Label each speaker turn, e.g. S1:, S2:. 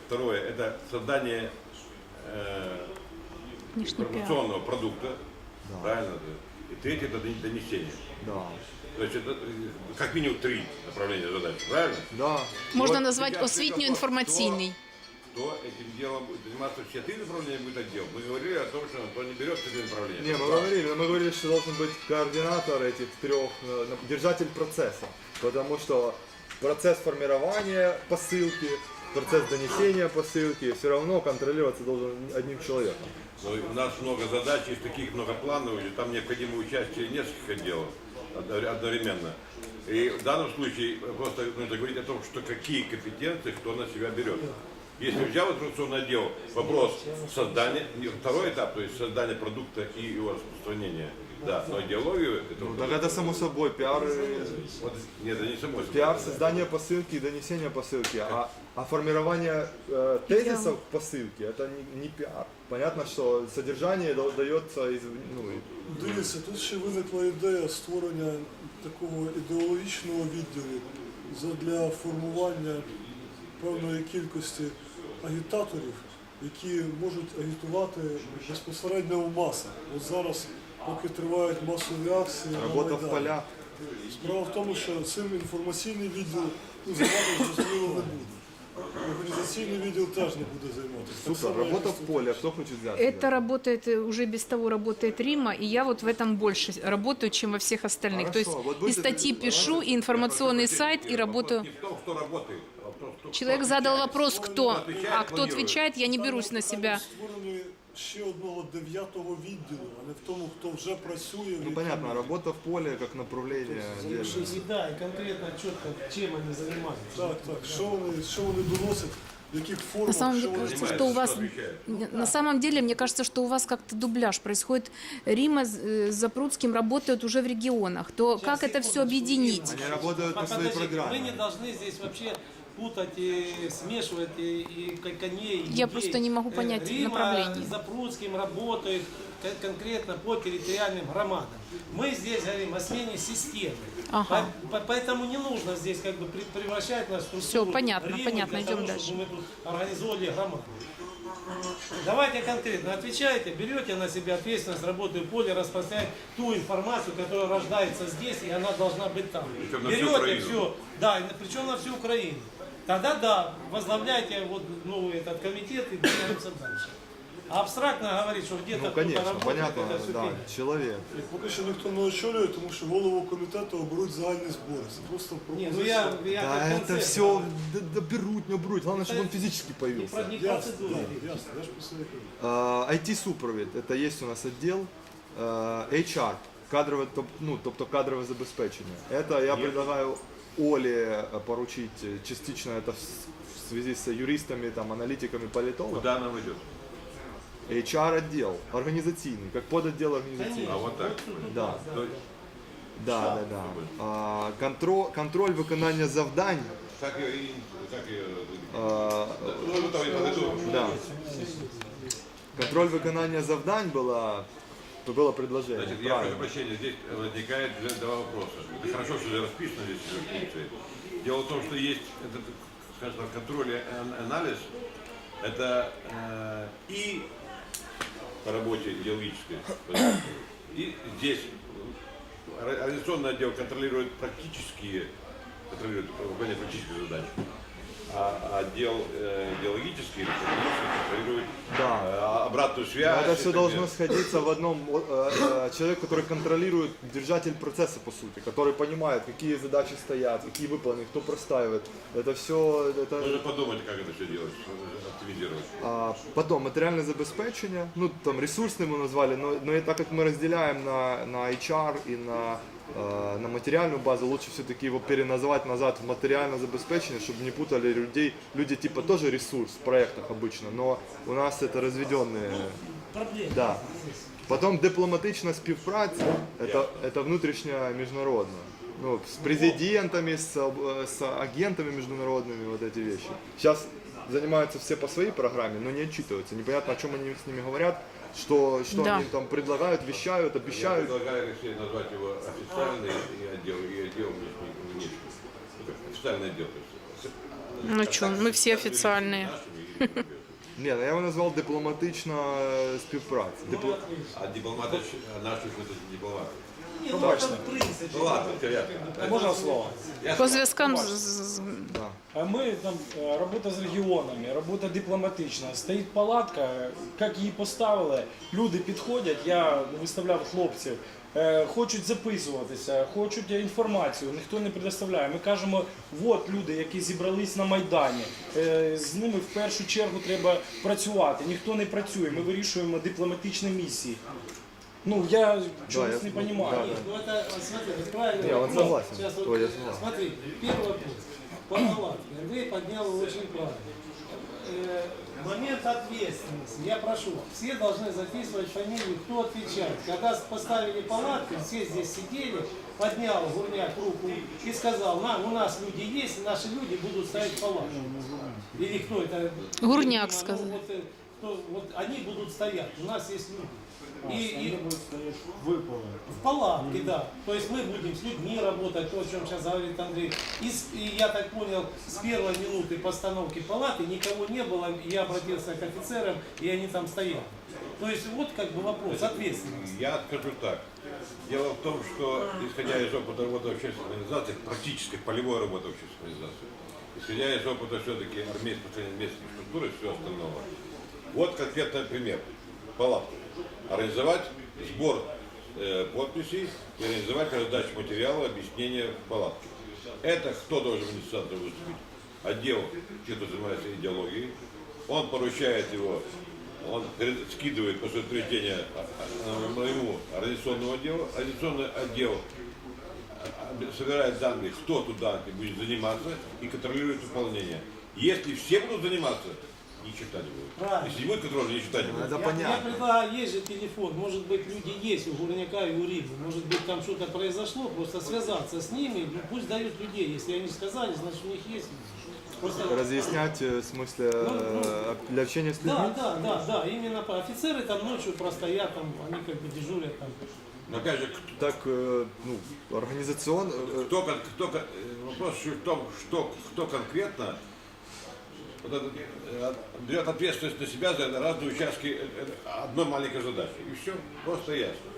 S1: Второе – это создание информационного продукта,
S2: Да.
S1: правильно? И третье – это донесение.
S2: Да.
S1: То есть это как минимум 3 направления задач, правильно?
S2: Да.
S3: Можна
S1: Вот
S3: назвати
S1: сейчас
S3: освітньо-інформаційний.
S1: Кто этим делом будет заниматься, все 3 направления будет отдел. Мы говорили о том, что Антон не берет это направление.
S2: Не, мы говорили, что должен быть координатор этих 3, держатель процесса. Потому что процесс формирования посылки, процесс донесения посылки все равно контролироваться должен одним человеком.
S1: Но у нас много задач, есть таких многоплановых, и там необходимо участие нескольких отделов одновременно. И в данном случае просто нужно говорить о том, что какие компетенции кто на себя берет. Если взял информационный отдел, вопрос создания, второй этап, то есть создание продукта и его распространения. Да, но идеологию это...
S2: Так это само собой пиар,
S1: Вот, нет, это не само собой.
S2: пиар создания посылки и донесения посылки, а формирование тезисов посылки это не пиар. Понятно, что содержание дается из...
S4: Дивіться, тут ще виникла ідея створення такого ідеологічного відділу для формування певної кількості агітаторів, які можуть агітувати безпосередньо в масах. От зараз, поки тривають масові акції на
S2: Работа в
S4: Майдані.
S2: полях.
S4: Справа в тому, що цим інформаційний відділ займатися зрозуміло не буде. Организационный відділ теж не буде займатися. Так
S2: Супер,
S4: само, як
S2: работа
S4: і
S2: в поле, кто хочет взяться?
S3: Это работает, уже без того работает Рима, и я вот в этом больше работаю, чем во всех остальных.
S2: Хорошо,
S3: То есть
S2: вот
S3: и
S2: будете-
S3: статьи пишу, и информационный сайт, и работаю.
S1: Не в том, кто работает, а в том, кто
S3: Человек задал вопрос, кто,
S1: отвечает,
S3: а кто
S1: планирует.
S3: отвечает, я не берусь на себя.
S4: Створення ще одного 9-го відділу, а не в тому, хто вже працює. в
S2: Ну
S4: якій-
S2: понятно, работа в поле как направление. отдельно.
S5: Да, и конкретно, четко, чем они занимаются.
S4: Так, так. Що вони доносять, в яких формах,
S3: На самом
S4: що
S3: деле,
S4: вони...
S3: кажется, что у вас,
S1: отвечает.
S3: на самом деле, мне кажется, что у вас как-то дубляж происходит. Рима с Запрудским работают уже в регионах. То как это все объединить?
S2: Они работают по своей
S5: Подождите,
S2: программе.
S5: мы не должны здесь вообще путать и смешивать и коней, и
S3: Я
S5: людей.
S3: просто не могу понять
S5: Рима
S3: направление.
S5: с Запрудским работает конкретно по территориальным громадам. Мы здесь говорим о смене системы.
S3: Ага.
S5: Поэтому не нужно здесь как бы превращать нас в структуру
S3: Всё, понятно,
S5: Римы
S3: понятно,
S5: для
S3: идем
S5: того,
S3: дальше.
S5: чтобы мы тут организовали громаду. Давайте конкретно отвечайте, берете на себя ответственность, работы в поле, распространять ту информацию, которая рождается здесь, и она должна быть там.
S1: Причем на всю
S5: Берете
S1: Украину.
S5: все, да, причем на всю Украину. Тогда да, возглавляйте вот новый этот комитет и двигаемся дальше. А абстрактно говорить, что где-то
S2: Ну
S5: кто-то
S2: конечно,
S5: работает,
S2: понятно,
S5: это все
S2: да,
S5: фигня.
S2: человек.
S4: Поки що ніхто не очолює, тому що голову комітету оберуть загальні збори. Це просто
S5: Не,
S4: пропозиція.
S5: ну я
S2: Да,
S5: как
S2: это
S5: концепт
S2: все
S5: говорю.
S2: доберут, не уберут. Главное, чтобы он физически
S5: Не
S2: появился.
S5: про- не
S4: Ясно,
S5: процедуры.
S4: да, ясно, я ж про це і кажу.
S2: IT-супровід, это есть у нас отдел. HR, кадрове, тобто кадрове забезпечення. Это я предлагаю Оле поручить частично это в связи с юристами, там, аналитиками, политологами.
S1: Куда нам идет?
S2: HR отдел, организационный, как подотдел организационный.
S1: А вот так.
S2: Да.
S1: То-
S2: Да. Контроль виконання завдань.
S1: Как ее... Как ее...
S2: А,
S1: Ну, там и подойду.
S2: Да. Контроль виконання завдань было предложение.
S1: Значит, я прошу прощения, здесь возникает два вопроса. Это хорошо, что расписано здесь функции. Дело в том, что есть этот, скажем так, контроль и анализ, это и по работе идеологической, и здесь организационный отдел контролирует выполнение практических задач. А отдел идеологический контролирует обратную связь.
S2: Это
S1: и
S2: все
S1: так
S2: должно
S1: далее.
S2: сходиться в одном человек, который контролирует, держатель процесса по сути, который понимает, какие задачи стоят, какие выполнены, кто простаивает. Это все.
S1: Нужно подумать, как это все делать, оптимизировать.
S2: Потом материальное забезпечение, ну там ресурсным мы назвали, но и так как мы разделяем на HR и на материальную базу, лучше все-таки его переназвать назад в материальное забезпечение, чтобы не путали людей. Люди типа тоже ресурс в проектах обычно, но у нас это разведенные.
S5: Проблема.
S2: Да. Потом дипломатична співпраця, это внутрішня міжнародна. Ну, с президентами, с агентами международными, вот эти вещи. Сейчас занимаются все по своей программе, но не отчитываются. Непонятно, о чем они с ними говорят, что
S3: Да.
S2: они там предлагают, вещают,
S1: Я
S2: обещают.
S1: предлагаю, Алексей, назвать его официальный отдел и отдел внешний. Официальный отдел. То есть,
S3: Ну что, мы все официальные.
S1: нашими и
S2: Ні, ну я його назвав дипломатична співпраця.
S1: А дипломаты наши это дипломаты.
S5: Нет, ну,
S2: точно.
S5: это в принципе.
S1: Ну ладно, я.
S6: Можна слово?
S3: По зв'язкам
S2: Да.
S6: А ми там робота з регіонами, робота дипломатична. Стоїть палатка, як її поставили, люди підходять, я виставляв хлопців, хочуть записуватися, хочуть інформацію, ніхто не предоставляє. Ми кажемо, от люди, які зібрались на Майдані, з ними в першу чергу треба працювати. Ніхто не працює, ми вирішуємо дипломатичні місії. Ну, я чогось не розумію.
S2: да.
S5: Нет, ну это, смотри, это правильно.
S2: Не, он согласен.
S5: Сейчас вот,
S2: Ой, я согласен.
S5: смотри, первый вопрос. По палатке. Вы поднял очень правильно. Момент ответственности. Я прошу, все должны записывать фамилию, кто отвечает. Когда поставили палатку, все здесь сидели, поднял Гурняк руку и сказал, у нас люди есть, наши люди будут ставить палатку. Или кто это?
S3: Гурняк
S5: Ну,
S3: сказал.
S5: вот они будут стоять, у нас есть люди. И
S6: Виповнено.
S5: в палатке, да. То есть мы будем с людьми работать, то, о чем сейчас говорит Андрей. И я так понял, с первой минуты постановки палаты никого не было. Я обратился к офицерам, и они там стояли. То есть вот как бы вопрос ответственности.
S1: Я скажу так. Дело в том, что исходя из опыта работы общественной организации, практической полевой работы общественной организации, исходя из опыта все-таки армейской местной структуры и всего остального, вот конкретный пример. Палатку. Организовать сбор подписей и организовать раздачу материала, объяснения в палатке. Это кто должен в инициаторе выступить? Отдел, кто занимается идеологией. Он поручает его, он скидывает после утверждения моему организационному отделу. Организационный отдел собирает данные, кто туда будет заниматься и контролирует выполнение. Если все будут заниматься, ни черта не будет.
S5: Правильно.
S1: Если не будет контроля, ни черта не будет.
S2: Это
S5: Я
S2: понятно.
S5: предлагаю, есть же телефон, может быть люди есть у Гурняка и у Римы, может быть там что-то произошло, просто связаться с ними, ну, пусть дают людей, если они сказали, значит у них есть. Просто...
S2: Разъяснять, в смысле, для общения с людьми?
S5: Да, именно офицеры там ночью простоят, там, они как бы дежурят там.
S1: Но опять же,
S2: Так, ну, организационно...
S1: вопрос в том, кто конкретно вот берет ответственность на себя за разные участки одной маленькой задачи. И все, просто ясно.